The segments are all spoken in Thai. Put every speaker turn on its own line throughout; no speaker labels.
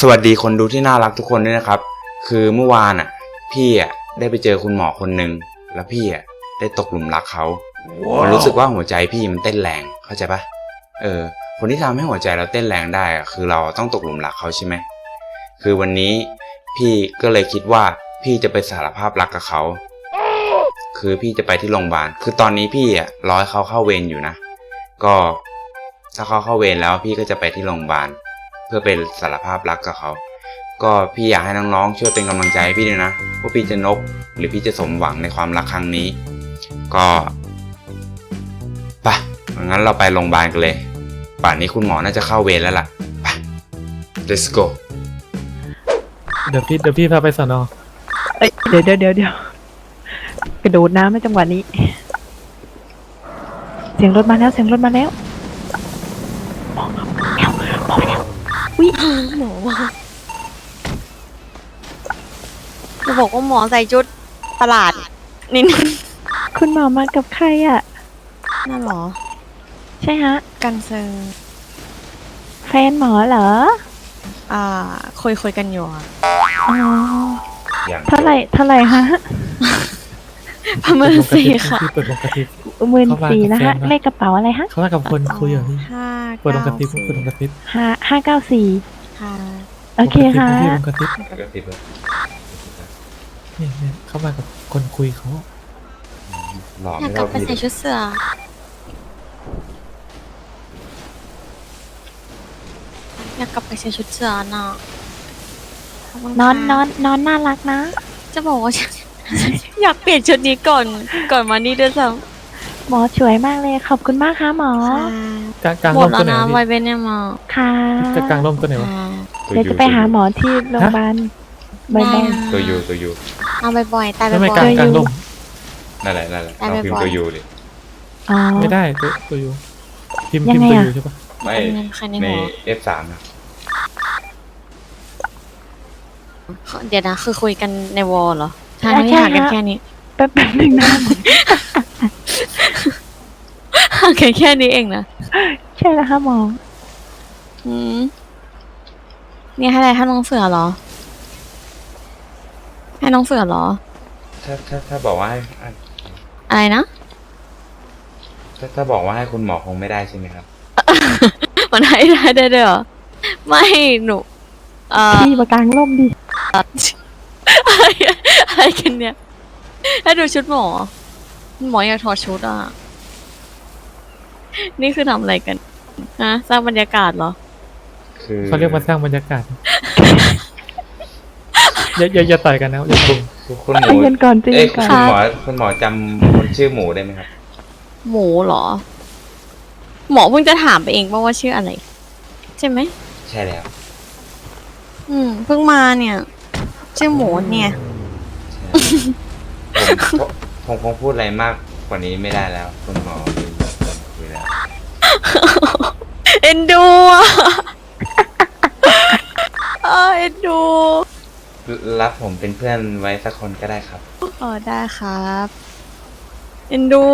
สวัสดีคนดูที่น่ารักทุกคนด้วยนะครับคือเมื่อวานพี่ได้ไปเจอคุณหมอคนหนึ่งแล้วพี่ได้ตกหลุมรักเขา มันรู้สึกว่าหัวใจพี่มันเต้นแรงเข้าใจปะคนที่ทำให้หัวใจเราเต้นแรงได้คือเราต้องตกหลุมรักเขาใช่ไหมคือวันนี้พี่ก็เลยคิดว่าพี่จะไปสารภาพรักกับเขาคือพี่จะไปที่โรงพยาบาลคือตอนนี้พี่รอให้เขาเข้าเวรอยู่นะก็ถ้าเขาเข้าเวรแล้วพี่ก็จะไปที่โรงพยาบาลเพื่อเป็นสารภาพรักกับเขาก็พี่อยากให้น้องๆช่วยเป็นกำลังใจให้พี่ด้วยนะว่าพี่จะนกหรือพี่จะสมหวังในความรักครั้งนี้ก็ไปงั้นเราไปโรงพยาบาลกันเลยป่านนี้คุณหมอน่าจะเข้าเวรแล้วล่ะไป let's go
เดี๋ยวพี่พาไปสน.
เดี๋ยวกระโดดน้ำในจังหวะนี้เสียงรถมาแล้วมองแล้ววิ
หมอมาจะบอกว่าหมอใส่ชุดประหลาดนิดนึง
คุณหมอมากับใคร
นั่นหรอ
ใช่ฮะ
กันเซอร์
แฟนหมอเหรอ
คุยกันอยู่
อ๋อเท่าไหร่ฮะ
ประมาณ4ค่ะ
เปิดวงกระติบ
14,000นะฮะเลขกระเป๋าอะไรฮะ
เขามากับคนคุยอยู่พี่เปิดวงกระติบ
594
ค่ะ
โอเคค่ะ
วงกระติบเนี่ยเขามากับคนคุยเขา
อยากกลับไปใส่ชุดเสืออยากกลับไปใส่ชุดเสือน่ะ
นอนน่ารักนะ
จะบอกว่าอยากเปลี่ยนชุดนี้ก่อนมานี่ด้วยซ้ำ
หมอสวยมากเลยขอบคุณมากค่ะหม
กลาง
หม
ร่
ดแล้วนะไวเบนเนี่ยหมอ
ค่ะ
จะกลางร่มตัวไหนวะ
เดี๋ยวจะไปหาหมอที่โรงพยาบาลบ่อย
ๆตัวยู
เอาบ่อยๆแต่บ่อยๆ
ไม่กลางร่ม
นั่นแหละต้องพิมพ์ตัวยูเลย
ไม่ได้ตัวยูพิมพ์ตัวยูใช่ปะ
ไม่ใน F3 นะ
เดี๋ยวนะคือคุยกันในวอลเหรอทางที่ห่างกันแค่นี้
แป๊บนึงนะ
ห่างกันแค่นี้เองนะ
ใช่แล้วค่ะหมอ
นี่ให้อะไรให้น้องเสือเหรอให้น้องเสือเหรอ
ถ้าบอกว่า
อะไรนะ
ถ้าบอกว่าให้คุณหมอคงไม่ได้ใช่ไหมครับ
มันให้ได้เหรอไม่หนู
พี่มากลางร่มดิ
อะไรกันเนี่ยให้ดูชุดหมออยากถอดชุดนี่คือทำอะไรกันฮะสร้างบรรยากาศเหรอ
เขาเรียกว่าสร้างบรรยากาศอย่าต่อยกันนะ
คุณหมู
เย็นก่อน
คุณหมอจำคนชื่อหมูได้ไหมครับ
หมูเหรอหมอเพิ่งจะถามไปเองว่าชื่ออะไรใช่ไหม
ใช่แล้ว
เพิ่งมาเนี่ยชื่อหมูเนี่ย
ผมคงพูดอะไรมากกว่านี้ไม่ได้แล้วคุณหมอคุยแล้ว
เอ็นดูเอ็นดู
รับผมเป็นเพื่อนไว้สักคนก็ได้ครับ
ได้ครับเอ็นดู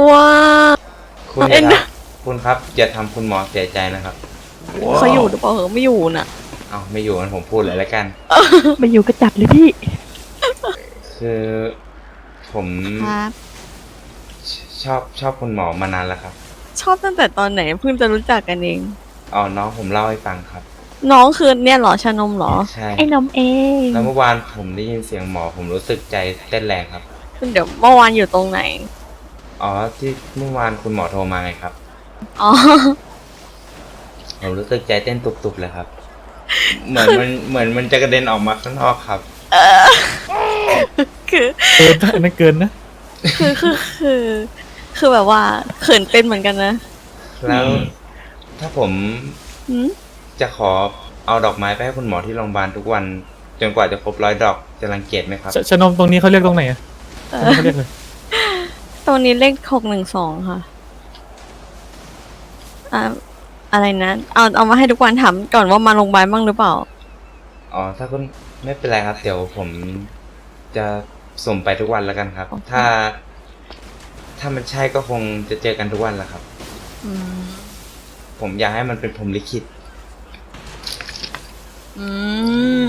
คุณครับอย่าทำคุณหมอเสียใจนะครับ
เขาอยู่หรือเปล่าไม่อยู่น่ะ
ไม่อยู่งั้นผมพูดเลยแล้วกัน
ไม่อยู่ก็จัดเลยพี่
คือผมชอบคุณหมอมานานแล้วครับ
ชอบตั้งแต่ตอนไหนเพิ่งจะรู้จักกันเอง
น้องผมเล่าให้ฟังครับ
น้องคือเนี่ยเหรอชานมเหรอ
ใช่
ไอ้นมเอง
แล้วเมื่อวานผมได้ยินเสียงหมอผมรู้สึกใจเต้นแรงครับ
เดี๋ยวเมื่อวานอยู่ตรงไหน
ที่เมื่อวานคุณหมอโทรมาไงครับผมรู้สึกใจเต้นตุบๆเลยครับเหมือนมันจะกระเด็นออกมาข้างนอกครับ
คือ
นั่นเกินนะ
คือแบบว่าเขินเป็นเหมือนกันนะ
แล้วถ้าผมจะขอเอาดอกไม้ไปให้คุณหมอที่โรงพยาบาลทุกวันจนกว่าจะครบ100 ดอกจะรังเกียจไหมครับ
ชนมตรงนี้เขาเรียกตรงไหนเขาเรียกเลย
ตรงนี้เลข612ค่ะอะไรนะเอามาให้ทุกวันถามก่อนว่ามาโรงพยาบาลบ้างหรือเปล่า
ถ้าคุณไม่เป็นไรครับเดี๋ยวผมจะส่งไปทุกวันแล้วกันครับถ้ามันใช่ก็คงจะเจอกันทุกวันแหละครับผมอยากให้มันเป็นพรหมลิขิต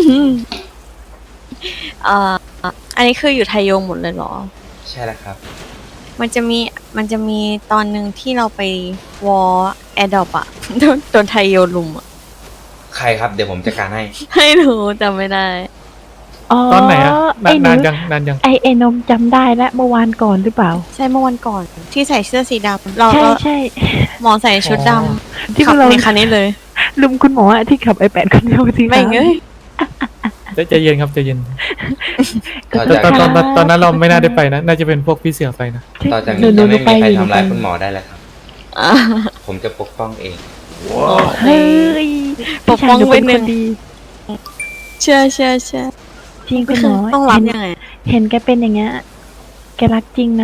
เอ่ออันนี้คืออยู่ไทยงหมดเลยเหรอ
ใช่แล้วครับ
มันจะมีตอนหนึ่งที่เราไปวอลแอดดอปอะ โดนไทยโยนลุมอะ
ใครครับเดี๋ยวผมจัดการให้
ไม่รู้จำไม่ได้
ตอนไหนอะ
ไอ้ห
นานยังนานยัง
ไอ้นมจำได้แล้วเมื่อวานก่อนหรือเปล่า
ใช่เมื่อวันก่อนที่ใส่เสื้อสีดำเรา
ใช่
เรา
ใช่
หมอใส่ชุดด
ที่
ำขับ
เรา
ในคันนี้เลย
ลุมคุณหมออะที่ขับiPadคนเดียวสิ
ไม่เงย
ใจเย็นครับใจเย็น
ต่อ
แต่
จาก
ตอนนั้นเราไม่น่าได้ไปนะ น่าจะเป็นพวกพี่เสือไปนะ
ต่อจากนี้จะไม่มีใครทำร้ายคุณหมอได้แล้วครับ
อ่ะ
ผมจะปกป้องเอง
เฮ้ย
ปกป้อง
พี่ชายหนูเป็น
ไว้หนึ่
คน
ง
ดี
เชื่อ
จริง
ก็
คุณห
คื
ม
อ
อ
ต้องรับยังไง
เห็นแกเป็นอย่างเงี้ยแกรักจริงนะ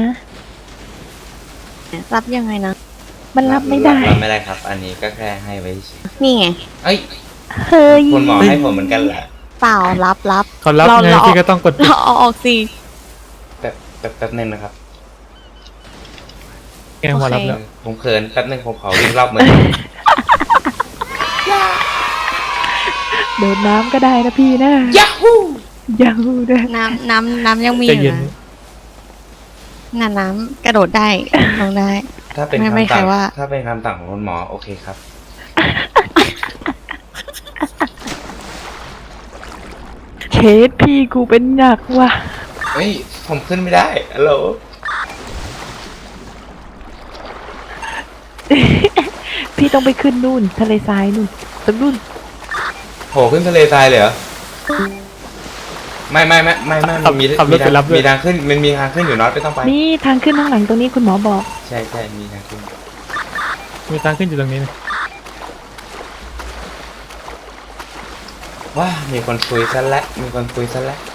รับยังไงนะ
มันรับไม่ได้
รับไม่ได้ครับ อันนี้ก็แค่ให้ไว้เฉย
นี่ไง
เอ้ย
เฮ้ย
คุณหมอให้ผมเหมือนกันแหละ
เปล่ารับ
เขารับไง
เรา
พี่ก็ต้องกด
เราเอาออกสิ
แป๊บนึงนะครับ
แกงหัวรับแล้ว
ผมเขินแป๊บนึงผมขอวิ่งรอบเมือง
โดดน้ำก็ได้นะพี่นะ
ยาฮู
ยาฮูด้วย
น้ำยังมี
ใจ
อยู่
เย็น
นะน้ำกระโดดได้ลงได้
ถ้าเป็น
ไม่
คำ
ใคร
สั่ง
ว่า
ถ้าเป็นคำสั่งของคุณหมอโอเคครับ
เคสพี่กูเป็นหนักว่ะ
เฮ้ย ผมขึ้นไม่ได้ฮัลโหล
พี่ต้องไปขึ้นนู่นทะเลทรายนู่นตรงนู่น
โหขึ้นทะเลทรายเลยเหรอ ไม่มันมี
ขับรถไปรับด้วย
มีทางขึ้นมันมีทางขึ้นอยู่น็อตไม่ต้องไป
นี่ทางขึ้นข้างหลังตรงนี้คุณหมอบอก
ใช่มีทางขึ้น
มีทางขึ้นอยู่ตรงนี้นะ
ว้ามีคนคุยซะแล้วมีคนคุยซะแล้ว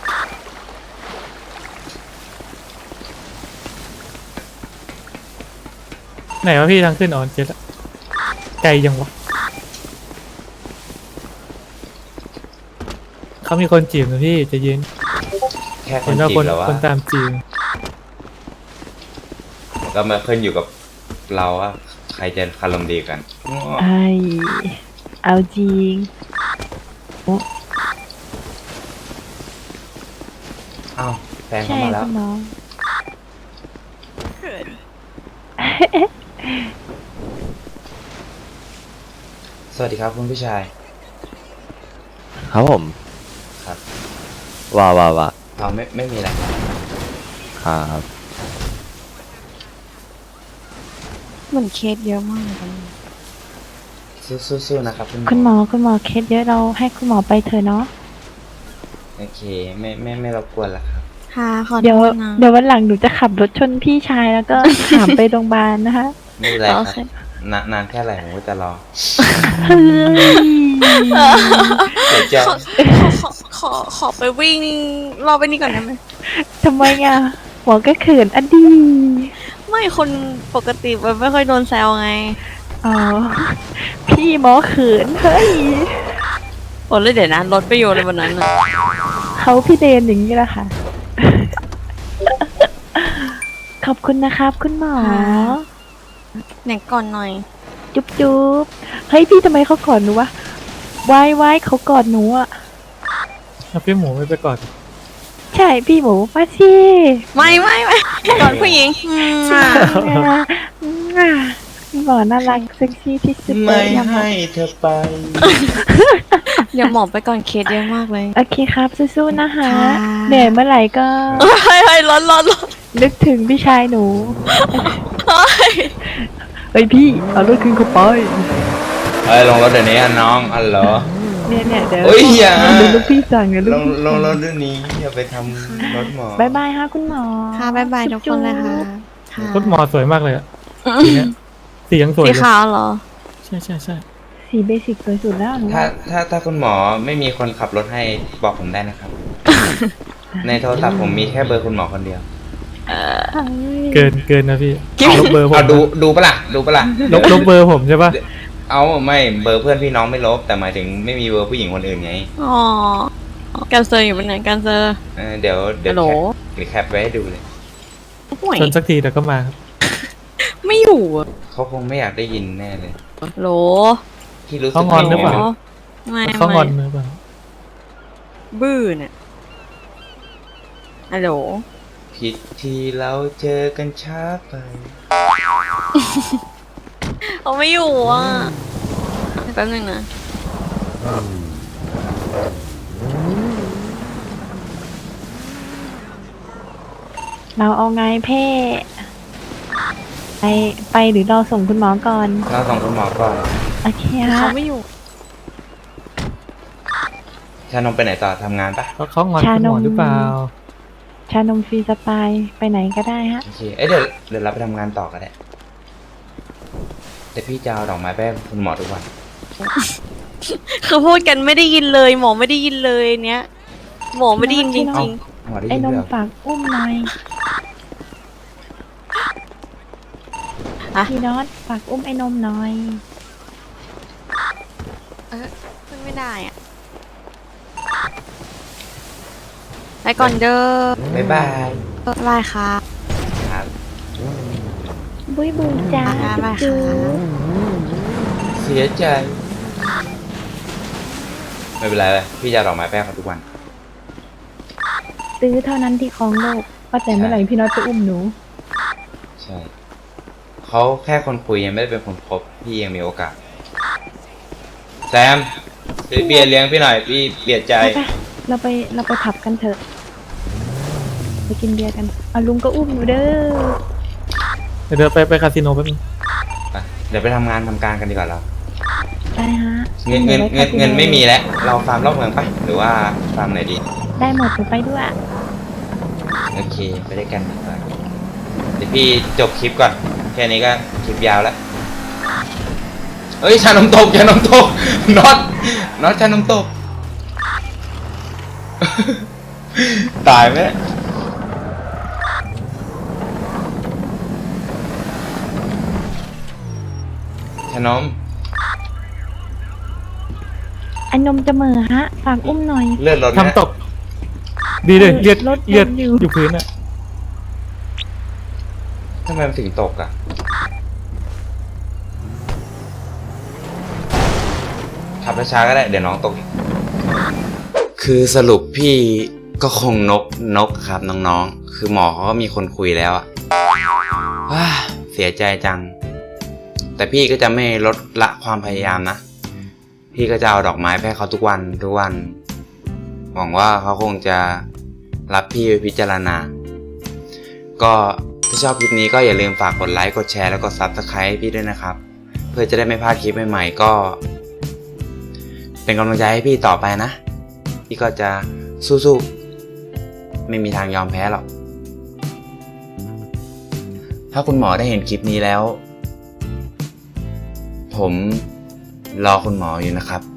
ไหนวะพี่ทางขึ้นอ๋อเจ็ดละไกลยังวะเขามีคนจีบนะพี่ใจเย็น
แค่ค
เห็
น
นว่า
จี
ค
บ
น
แล้ววะ
คนตามจีบ
ก็มาขึ้นอยู่กับเราว่าใครจะคารมดีกัน
ไอเอาจริง
อ้าวแฟนเข้า
ใช่
มาแล้ว
คุณหมอ
สวัสดีครับคุณผู้ชาย
ครับผม
ครับ
ว่า
เราไม่มีอะไรครับ
ครับ
เหมือนเคสเยอะมากเลย
สู้ๆนะครับ
คุณหมอเคสเยอะเราให้คุณหมอไปเถอะเนาะ
โอเคไม่รบกวนแล้วครับ
ค่ะขอโท
เดี๋ยว
ษนะ
เดี๋ยววันหลังหนูจะขับรถชนพี่ชายแล้วก็ ถามไปโรงพยาบาลนะคะ
ไม่เป็นไรค
โอ
รับ
เค
นานแค่ไหนผมก็จะรอ
เฮ้ย
เดี๋ยวจะ
ขอไปวิ่งรอบไปนี่ก่อนได้ไหม
ทำไมอ่ะหมอก็เขินอดี
ไม่คนปกติมันไม่ค่อยโดนแซวไง
อ๋อพี่หมอเขินเฮ้ย
โอ้เลยเดี๋ยวนะรถไปโยนในวันนั้นน่ะ
เขาพี่เดนอย่างนี้แหละค่ะ ขอบคุณนะครับคุณหมอ
ไหนก่อนหน่อย
จุ๊บจุ๊บเฮ้ยพี่ทำไมเขากอดหนูวะวายเขากอดหนูอ่ะ
แล้วพี่หมูไม่ไปก่อน
ใช่พี่หมูมาสิ
ไม่ก่อนผู้หญิง
หมอน่ารักเซ็กซี่ที่สุดเล
ไม่
ยอะหมอ
ให้เธอไป
เดี๋ยวหมอไปก่อนเคสเยอะมากเลย
โอเคครับสู้ๆนะคะ
ค่ะ
เหนื่อยเมื่อไหร่ก็
เฮ้ยร้อน
นึกถึงพี่ชายหนูเฮ้ยพี่เอารถขึ้นเข้าไป
เอ้ยลงรถเดี๋ยวนี้อะน้องอันเหรอ
เนี่ยเดี๋ยว
เฮ้ยอย่า
เดี๋ยวลูกพี่สั่งเดี๋ยว
ล
ลูก
ง
พี่
ลง
สั่ง
รถเดี๋ยวนี้อย่าไปทำรถหมอ
บายบายค่ะคุณหมอ
ค่ะบ๊ายบายทุกคนเลยค่ะค่ะ
รถหมอสวยมากเลยอะสีเนี้ยสียังสวย
สี
เลย
ขาวเหรอ
ใช่
สีเบสิกสวยสุดแล้วหนู
ถ้าคุณหมอไม่มีคนขับรถให้บอกผมได้นะครับ ในโทรศัพท์ผมมีแค่เบอร์คุณหมอคนเดียว
เกินนะพี่ลบเบอร์ผม
เอาดูปะล่ะดูปะล่ะ
ลบเบอร์ผมใช่ปะ
เอาไม่เบอร์เพื่อนพี่น้องไม่ลบแต่หมายถึงไม่มีเบอร์ผู้หญิงคนอื่นไง
อ๋อการเซอร์อยู่เป็นไงการเซอร์
เดี๋ยว
ฮัลโหล
แคปไว้ให้ดูเลย
ห่วย
ชนสักทีเดี๋ยวก็มาครับ
ไม่อยู่อะ
เขาคงไม่อยากได้ยินแน่เลย
โหล
ที่รู้สึก
เขางอนหรือเปล่า
ไม่
เขางอนหรือเปล่า
บื้อเนี่ยฮัลโหล
ผิดที่เราเจอกันช้าไป
เขาไม่อยู่อ่ะแป๊บนึงนะ
เราเอาไงเพ่ไปหรือเราส่งคุณหมอก่อน
เราส่งคุณหมอก่อน
โอเคฮะ
เขาไม่อยู่
ชานมไปไหนต่อทำงานปะ
เขางอนคุณหมอหรือเปล่า
ชานมฟรีสไตล์ไปไหนก็ได้ฮะ
โอเคเดี๋ยวเราไปทำงานต่อกันแหละแต่พี่จะเอาดอกไม้ไปให้คุณหมอทุกวัน
คือพูดกันไม่ได้ยินเลย หมอไม่ได้ยินเลยเนี้ยหมอไม่ได้ยินจ
พี่น้อง
ริง
หมอได้
ไอ้
ยิน
นม
ด้วยเหรอ
ฝากอุ้มหน่อย
อะ
พี่น็อตฝากอุ้มไอ้นมหน่อย
ๆขึ้นไม่ได้อ่ะไปก่อนเด้อ
บ๊ายบาย
บ๊ายบายค่ะ
ครับ
บุยบุยจ้า
บ๊ายบาย
จุ๊
ค่ะ
บ
เสียใจ ไม่เป็นไรเลยพี่จะเอาดอกไม้ไปให้เขาทุกวัน
ซื้อเท่านั้นที่ครองโลกว่าแต่เมื่อไหร่พี่น็อตจะอุ้มหนู
ใช่เขาแค่คนคุยยังไม่ได้เป็นคนคบพี่ยังมีโอกาสแซมซื้อเบียร์เลี้ยงพี่หน่อยพี่เบียดใจ
ไปเราไปผับกันเถอะ ไปกินเบียร์กันเอาลุงก็อุ้มหนูเด้อ
เดี๋ยวไปคาสิโนแป๊บนึง
ไปเดี๋ยวไปทำงานทำการกันดีกว่าเรา
ได้ฮะ
เงินไม่มีแล้ว เราฟาร์มรอบเมืองปะหรือว่าฟาร์มไหนดี
ได้หมดหนูไปด้วย
โอเค ไปด้วยกันดีกว่าเดี๋ยวพี่จบคลิปก่อน แค่นี้ก็คลิปยาวแล้ว เอ้ย ชานมตกน็อตชานมตก ตายไหมเนี่ยชานม
ไอ้นมจะเหม่อฮะ ฝากอุ้มหน่อย
เลือดลดไหม
ทำตก ดีเลยเลือด
รถ
เลือด
อยู่
อยู่พื้นอ่ะ
ทำไมมันถึงตกอ่ะ ขับช้าๆก็ได้ เดี๋ยวน้องตกอีก คือสรุปพี่ก็คงนกครับน้องๆ คือหมอเขาก็มีคนคุยแล้วอะว้าเสียใจจัง แต่พี่ก็จะไม่ลดละความพยายามนะ พี่ก็จะเอาดอกไม้ไปให้เขาทุกวัน หวังว่าเขาคงจะรับพี่ไปพิจารณา ก็ถ้าชอบคลิปนี้ก็อย่าลืมฝากกดไลค์ กดแชร์ แล้วก็ Subscribe ให้พี่ด้วยนะครับ เพื่อจะได้ไม่พลาดคลิปใหม่ๆ ก็ เป็นกำลังใจให้พี่ต่อไปนะ พี่ก็จะสู้ๆ ไม่มีทางยอมแพ้หรอก ถ้าคุณหมอได้เห็นคลิปนี้แล้ว ผมรอคุณหมออยู่นะครับ